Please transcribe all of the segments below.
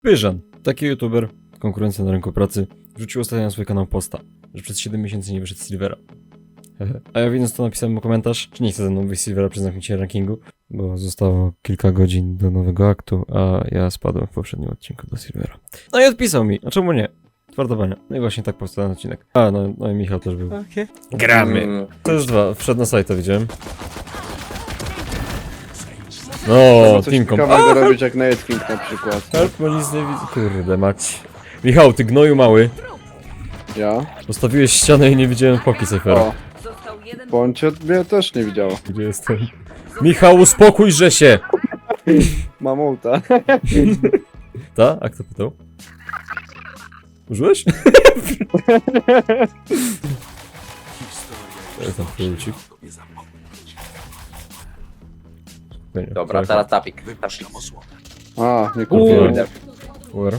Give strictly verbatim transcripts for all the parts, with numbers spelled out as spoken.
Pyżan, taki youtuber, konkurencja na rynku pracy, wrzucił ostatnio na swój kanał posta, że przez siedem miesięcy nie wyszedł z Silvera. A ja widząc to napisałem mu komentarz, czy nie chce ze mną wyjść z Silvera przy zamknięciu rankingu, bo zostało kilka godzin do nowego aktu, a ja spadłem w poprzednim odcinku do Silvera. No i odpisał mi, a czemu nie? Twardowania. No i właśnie tak powstał ten odcinek. A, no, no i Michał też był. Okay. Gramy! To już dwa, wszedł na sajta, widziałem. No, Coś teamkom. ciekawego robić jak Nightwing na przykład. Help, bo nic nie widzę. Kurde mać. Michał, ty gnoju mały. Ja? Postawiłeś ścianę i nie widziałem poki Cyfera. O, bądź mnie też nie widziało. Gdzie jestem? Michał, uspokójże się! Mam ulta. Ta? A kto pytał? Użyłeś? To jest tam kluczyk. Dobra, teraz tapik. A, nie Kurde. kupiłem. Where?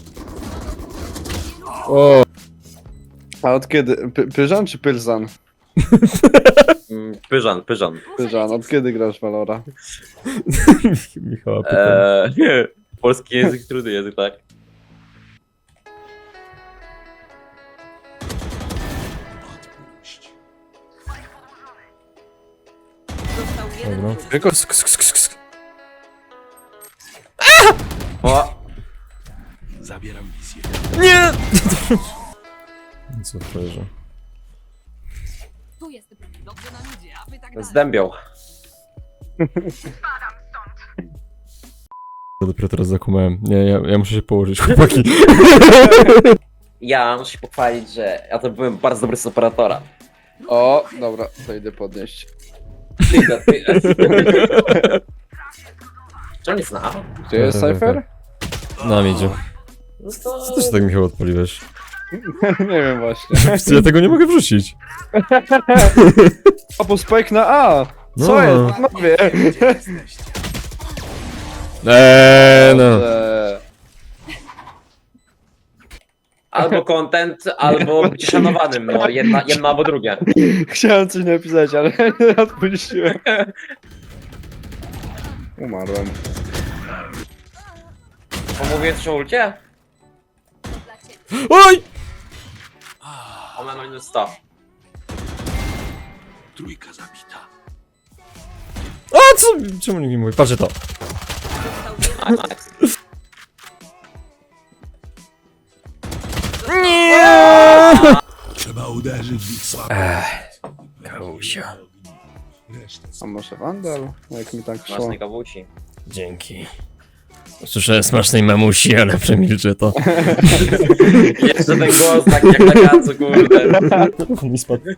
O, A od kiedy? Py Pyżan czy Pylzan? Mm, Pyżan, pyżan. Pyżan, od kiedy grasz w Valora? Michała pytam. Eee, nie. Polski język, trudny język, tak? Dobra. Tylko Sk, sk, sk, sk, sk. O! Zabieram wizję. Nie! Co frajerze? Tu jest dobrze nam idzie, a wy tak dalej. Zdębiał. Ja dopiero teraz zakumałem. Nie, ja, ja muszę się położyć, chłopaki. Ja muszę się pochwalić, że ja to byłem bardzo dobry z operatora. O, dobra, to idę podnieść. Ty, ty, Czy on jest na A? Gdzie jest Cypher? Na mnie idzie. No Co to... ty się tak, Michał, odpaliłeś? Nie wiem właśnie. Ja tego nie mogę wrzucić. A bo spike na A! Co No. jest? Panowie! Eee, no. Dobrze. Albo content, albo bycie szanowanym, no. Jedna, jedno albo drugie. Chciałem coś napisać, ale nie odpuściłem. Umarłem. Pomówię coś o ulcie? Oj! Ona ma minus sto. Trójka zabita. A co? Czemu nikt nie mówi? Patrzcie to. A, nice. Trzeba uderzyć w ich słabę. Kałusia. A może Vandal? Jak mi tak szło. Smacznej kawusi. Dzięki. Słyszałem smacznej mamusi, ale przemilczę to. Jeszcze ten głos taki jak na kacu, kurde. On mi spadł.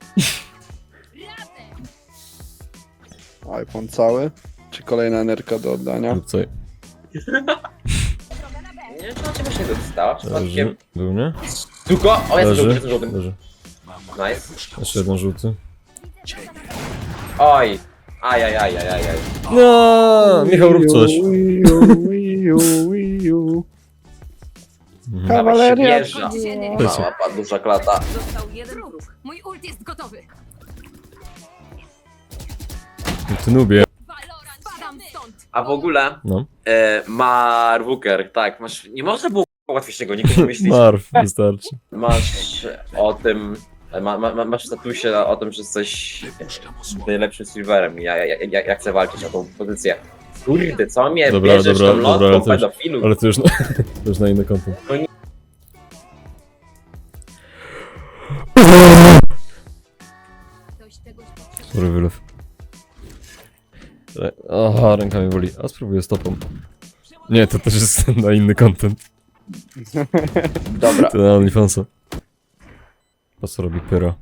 iPhone cały? Czy kolejna enerka do oddania? Lub co? Nie wiem, czy ona czegoś nie dostała przypadkiem. Leży. Był, nie? Tylko, o jest żółty, Leży. jest żółty. Leży. Nice. Jeszcze jeden żółty. Oj. Aj, aj, aj, aj, aj, aj. No, Michał, rób coś. Wii U, Wii U, Wii U. Mhm. Kawaleria! Jeżdża. Mała, pa- duża klata. Został jeden wróg. Mój ult jest gotowy. Ty nubie. Valorant, spadam stąd. A w ogóle No. e, Marwuker, tak, masz, nie można było łatwiejszego nikogo myśleć. Marw, wystarczy. Masz o tym, ma, ma, masz w statusie o tym, że jesteś Wypuszczam osłonę. najlepszym silverem. Ja, ja, ja, ja chcę walczyć o tą pozycję. Kurde, co mnie Dobra, bierzesz dobra, tą dobra, ale lotką to już- pedofilu? Ale to już na, to już na inny kontent. No nie. Ktoś czegoś potrzebuje. Sorry, wylew. Re- Aha, ręka mi boli. A spróbuję stopą. Nie, to też jest na inny content. Dobra. To na OnlyFansa. Po co robi pyra?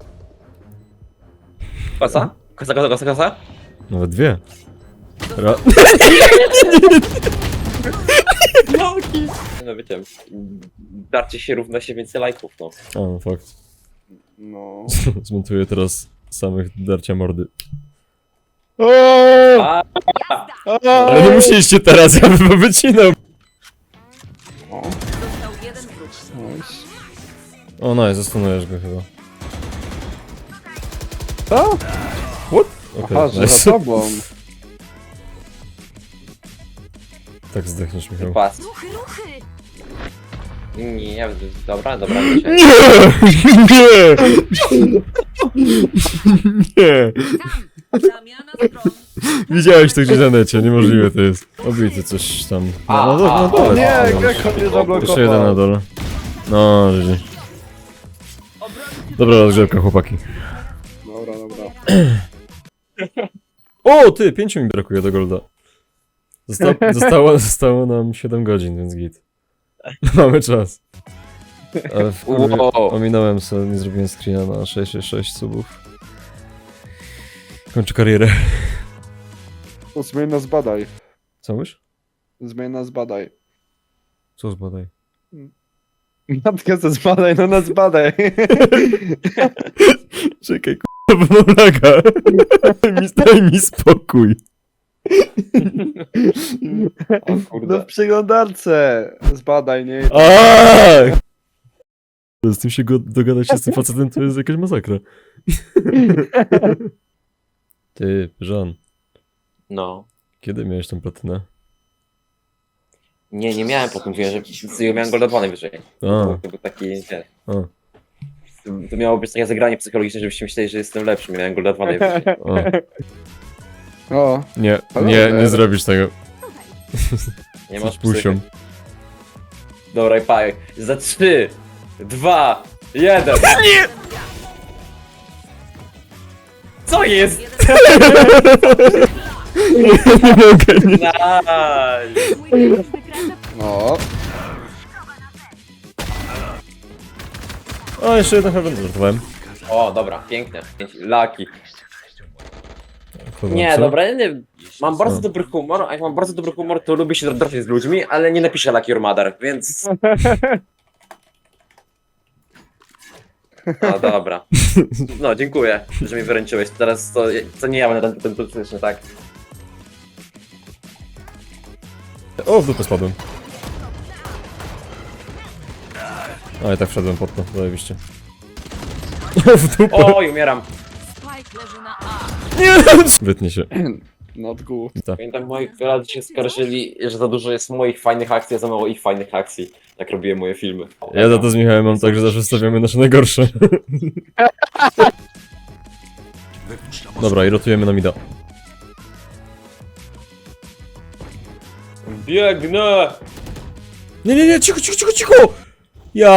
Kosa? Kosa, kosa, kosa, kosa? Nawet dwie. Ra No wiecie, darcie się równa się więcej lajków, no. A, no fakt. No. Zmontuję teraz samych darcia mordy. A, Ale nie musieliście teraz, ja bym wycinał. Został jeden wróg. Nice. O no, zastanujesz go chyba. Co? What? Okej, Aha, że nice. za tobą. Tak zdechniesz, Michał. pas. Ruchy, ruchy! Nie, nie, dobra, dobra. Nie, Nie! Nie! Zamiana stron. Widziałeś to gdzieś na necie, niemożliwe to jest. Obity coś tam. A, No, no, a, no, o dole. Nie, No, Gekko mnie zablokował. jeszcze jeden na dole. No, życie. Dobra rozgrzewka, chłopaki. Dobra, dobra. O, ty, pięciu mi brakuje do golda. Zosta zostało, zostało nam siedem godzin, więc git. Mamy czas. Ale w kurwie, Wow. ominąłem sobie, nie zrobiłem screena na sześć sześć sześć subów. Kończę karierę. No, zmień nas badaj. Co mówisz? Zmień nas badaj. Co zbadaj? Matkę ze zbadaj, no nas badaj. Czekaj, k***a, bo mam laga. Mi- Daj mi spokój. O No kurde. w przeglądarce. Zbadaj, nie? Aaaa! Z tym się go dogadać się z tym facetem to jest jakaś masakra. Ty, Żan, No. kiedy miałeś tą platynę? Nie, nie miałem po tym, że ja miałem golda dwa najwyżej. A, To był taki, wiesz, a, to miało być takie zagranie psychologiczne, żebyście myśleli, że jestem lepszy. Miałem golda dwa najwyżej. a. O, Nie, Ale nie, dobra. nie zrobisz tego. Nie Z masz pusią. psychy. Dobra, i paj. Za trzy, dwa, jeden. Nie! Co jest? Nie mogę, nie. Nice. Mój miecz wykracza no. O, jeszcze jeden heaven, żartowałem. O, dobra, pięknie. Laki. Kogo, Nie, co? dobra, ja nie. Mam bardzo Co? dobry humor, a jak mam bardzo dobry humor, to lubię się drapać z ludźmi, ale nie napiszę Lucky Your Mother, więc... No dobra. No, dziękuję, że mi wyręczyłeś. Teraz to, to nie ja będę ten, ten toksyczny, tak? O, w dupę spadłem. A, i tak wszedłem pod to, zajebiście. O, w dupę! Oj, umieram. Spike leży na A. Nie! Wytnie się. Not good. Tak. Pamiętam, moi koledzy się skarżyli, że za dużo jest moich fajnych akcji, a za mało ich fajnych akcji. Jak robiłem moje filmy. Ja za to z Michałem mam tak, że zawsze stawiamy nasze najgorsze. Wypuszczam Dobra, i rotujemy na mida. Biegnę! Nie, nie, nie, cicho, cicho, cicho, cicho! Ja...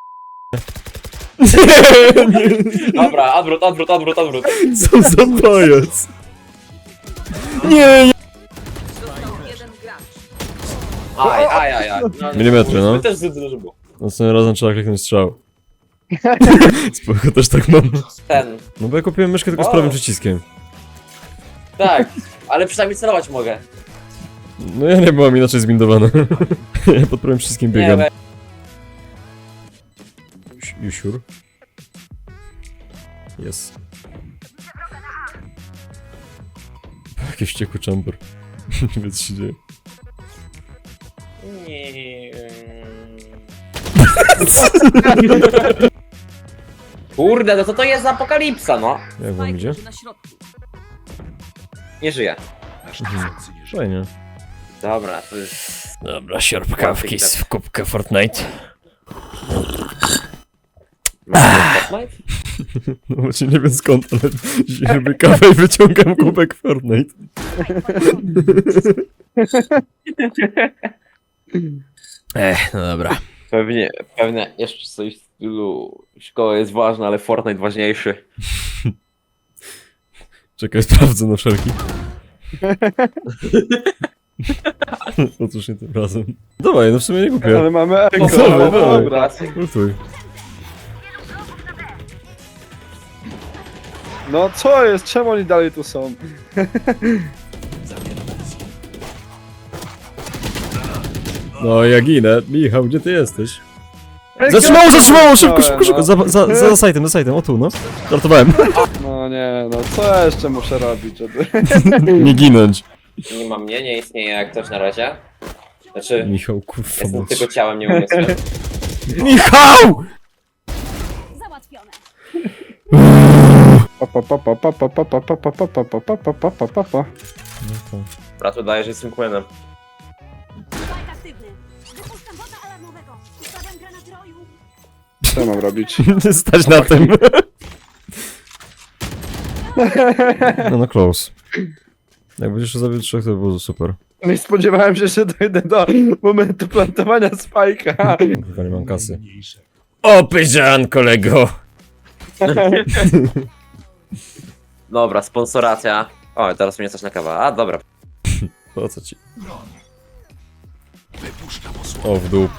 Nie, nie, Dobra, odwrót, odwrót, odwrót, odwrót. co za pajac! Nie, nie. Został jeden gracz. Aj, aj, aj, aj. No, Milimetry, no. My też zbyt dużo było. Następnym razem trzeba kliknąć strzał. Spoko, też tak mam. Ten, No bo ja kupiłem myszkę tylko z O. prawym przyciskiem. tak, ale przynajmniej celować mogę. No ja nie byłam inaczej zbindowana. Ja pod prawym przyciskiem Nie, biegam. we- You sure? Yes. Jakiś wściekły chamber. Nie wiem co się dzieje. Nie. Kurde, no co to jest za apokalipsa, no? Jak wam Spike idzie? leży na środku. Nie żyję. Nasz tysiący nie żyje. Fajnie. Dobra, to jest... Dobra, sierpkawki z kubkę Fortnite. Masz Fortnite? No właśnie nie wiem skąd, ale zjemy kawę i wyciągam kubek Fortnite. Ech, no dobra. Pewnie, pewnie jeszcze coś w stylu... Szkoła jest ważna, ale Fortnite ważniejszy. Czekaj, sprawdzę na wszelki. Otóż nie tym razem. Dawaj, no w sumie nie kupię. Ale mamy eko. No dobra, no dobra. dobra. Lutuj. No co jest? Czemu oni dalej tu są? Zabieram wizję. No ja ginę. Michał, gdzie ty jesteś? Ej, Zatrzymało, Gekko zatrzymało! Szybko, zatrzymałem, szybko, szybko! no. Za, za, za sajtem, za sajtem, o tu, no. Żartowałem. No nie, no co jeszcze muszę robić, żeby... Nie ginąć. Nie ma mnie, nie istnieje jak coś na razie. Znaczy, Michał, kurwa, jestem bądź. tylko ciałem, nie umysłem. Michał! Załatwione. Pa, pa, pa, pa, pa, pa, pa, pa, pa, pa, pa, pa, pa, pa, pa, pa, pa, pa. Brat udaje, że jestem Quenem. Spike aktywny. Wypuszczam bota alarmowego. go! Ustawiam granat roju! Co mam robić? Stać na tym. No no close. Jak będziesz zabił trzech, to by było super. Nie spodziewałem się, że dojdę do momentu plantowania spajka. Chyba nie mam kasy. Mniejsze. O, pyzian, kolego! Dobra, sponsoracja. O, teraz mnie coś na kawa. A, dobra. Po co ci? Broń. Wypuszczam osłonę. O, w dół.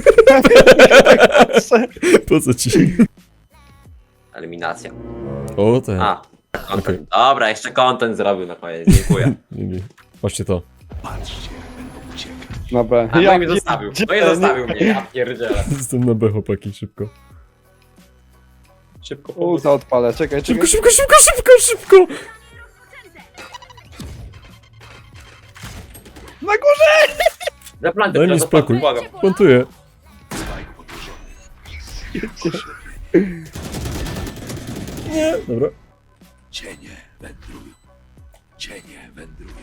Po co ci? Eliminacja. O, ten. A, content. Dobra, jeszcze content zrobił na koniec. Dziękuję. Nie, nie. Chodźcie to. Patrzcie, będą uciekać. Dobra. A no i mnie zostawił. No i nie- zostawił mnie, ja pierdzielę. Jestem na B, chłopaki, szybko. Szybko. U, to odpalę, czekaj, Szybko, czekaj. szybko, szybko, szybko, szybko! Na górze! Na planty, Daj mi proszę, spokój. błagam. Plantuję. Spike podłożony. Nie. Dobra. Cienie wędrują. Cienie wędrują.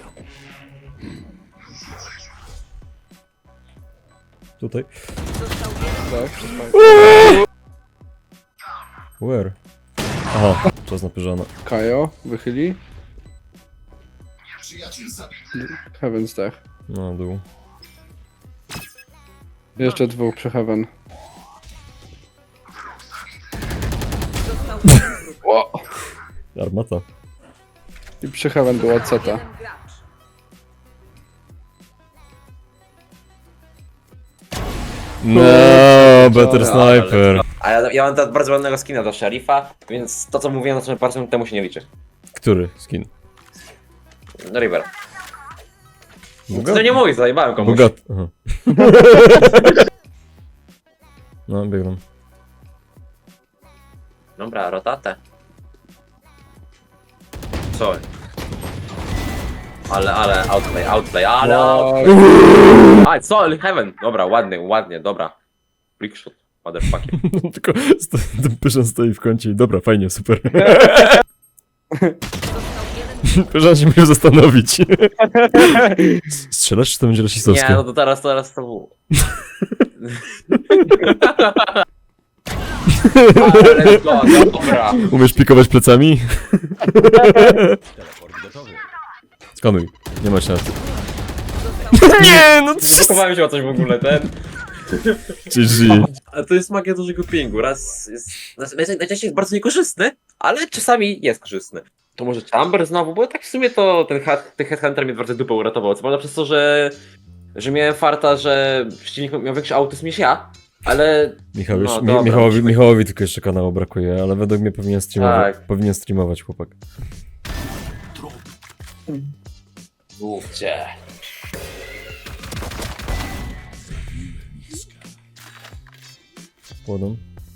Tutaj. Został jeden. Tak, spajk. Where? Aha, czas napierzana. Kajo, wychyli. Heaven's Tech. No, dół. Jeszcze dwóch przy Heaven. Został jeden wróg. O! Armata. I przy Heaven była Ceta. Jeden gracz. No, better sniper. A ja, ja mam teraz bardzo ładnego skina do szeryfa, więc to co mówiłem na samym parę minut temu się nie liczy. Który skin? No River. Bogat? To nie mówisz, zajebałem komuś. Bogat. Aha. No, biegną. Dobra, rotatę. Co? Ale, ale, outplay, outplay, ale outplay. A, co? Heaven. Dobra, ładnie, ładnie, dobra. Flickshot, motherfucking. Tylko sto- ten pyszan stoi w kącie i dobra, fajnie, super. Został jeden. Pyszan się musiał zastanowić. Strzelasz, czy to będzie rasistowskie? Nie, no to teraz, teraz to było. Let's go, dobra. Umiesz pikować plecami? Teleport gotowy. Skanuj. Nie masz na to. Został Nie, no Zachowałem się o coś w ogóle, ten. G G. A to jest magia dużego pingu. Raz jest. Najczęściej jest bardzo niekorzystny, ale czasami jest korzystny. To może Chamber znowu, bo tak w sumie to ten, head, ten Headhunter mnie bardzo dupę uratował. Co prawda przez to, że. że miałem farta, że przeciwnik miał większy autyzm niż ja, ale. Michał już, No, Mi- dobra, Michałowi, musimy- Michałowi tylko jeszcze kanału brakuje, ale według mnie powinien streamować, Tak. powinien streamować chłopak. Mówcie. Łodą.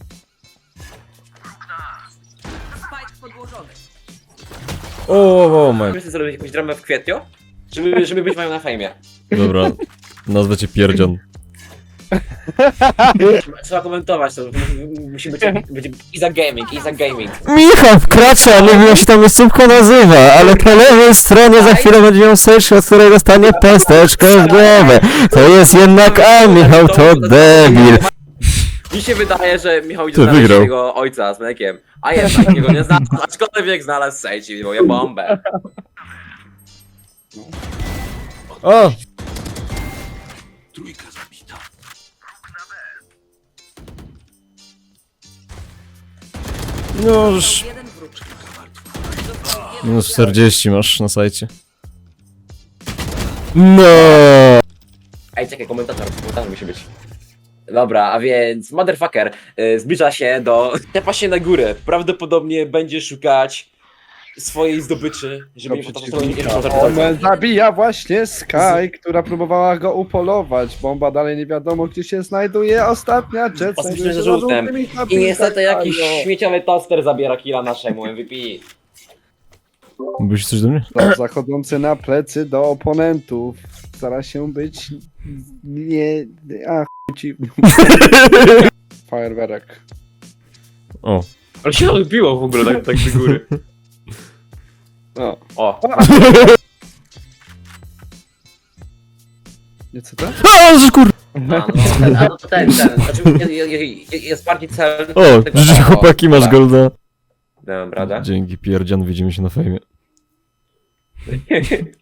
spike podłożony. O, o, o, my. Chcę zrobić jakąś dramę w kwietniu, żeby, żeby być mają na fejmie. Dobra, nazwę cię Pierdzion. Trzeba komentować to, musi być, być Iza Gaming, Iza Gaming. Michał wkracza, nie wiem jak się ta miejscówka nazywa, ale po lewej stronie za chwilę będzie miał sesję, od której dostanie pesteczkę w głowę. To jest jednak A, Michał to debil. Mi się wydaje, że Michał idzie Ty, znaleźć wygrał. swojego ojca z mlekiem, a jednak jego nie znalazł, aczkolwiek znalazł sejci, bo ja bombę. O! Trójka zabita. No już... Jeden wróg. Minus czterdzieści masz na sajcie. No. Ej, czekaj, komentator, komentator musi być. Dobra, a więc motherfucker y, zbliża się do... Tepa się na górę, prawdopodobnie będzie szukać swojej zdobyczy, żeby nie On zabija właśnie Sky, która próbowała go upolować. Bomba dalej nie wiadomo gdzie się znajduje. Ostatnia jet Ostatnia znajduje się z żółtem. za żółtymi I napisami. niestety jakiś śmieciowy toster zabiera killa naszemu M V P. Mówisz coś do mnie? No, zachodzący na plecy do oponentów. Stara się być nie... A chuj ci... Fajerwerek. O. Ale się odbiło w ogóle tak, tak do góry. No. O, Nie co to? A, że kur... A, no, ten, a no to ten, ten. Znaczy, je- je- je- jest bardziej celny. O, tego- życie chłopaki, masz tak. golda. Dałem radę. Dzięki, pierdzian, widzimy się na fejmie.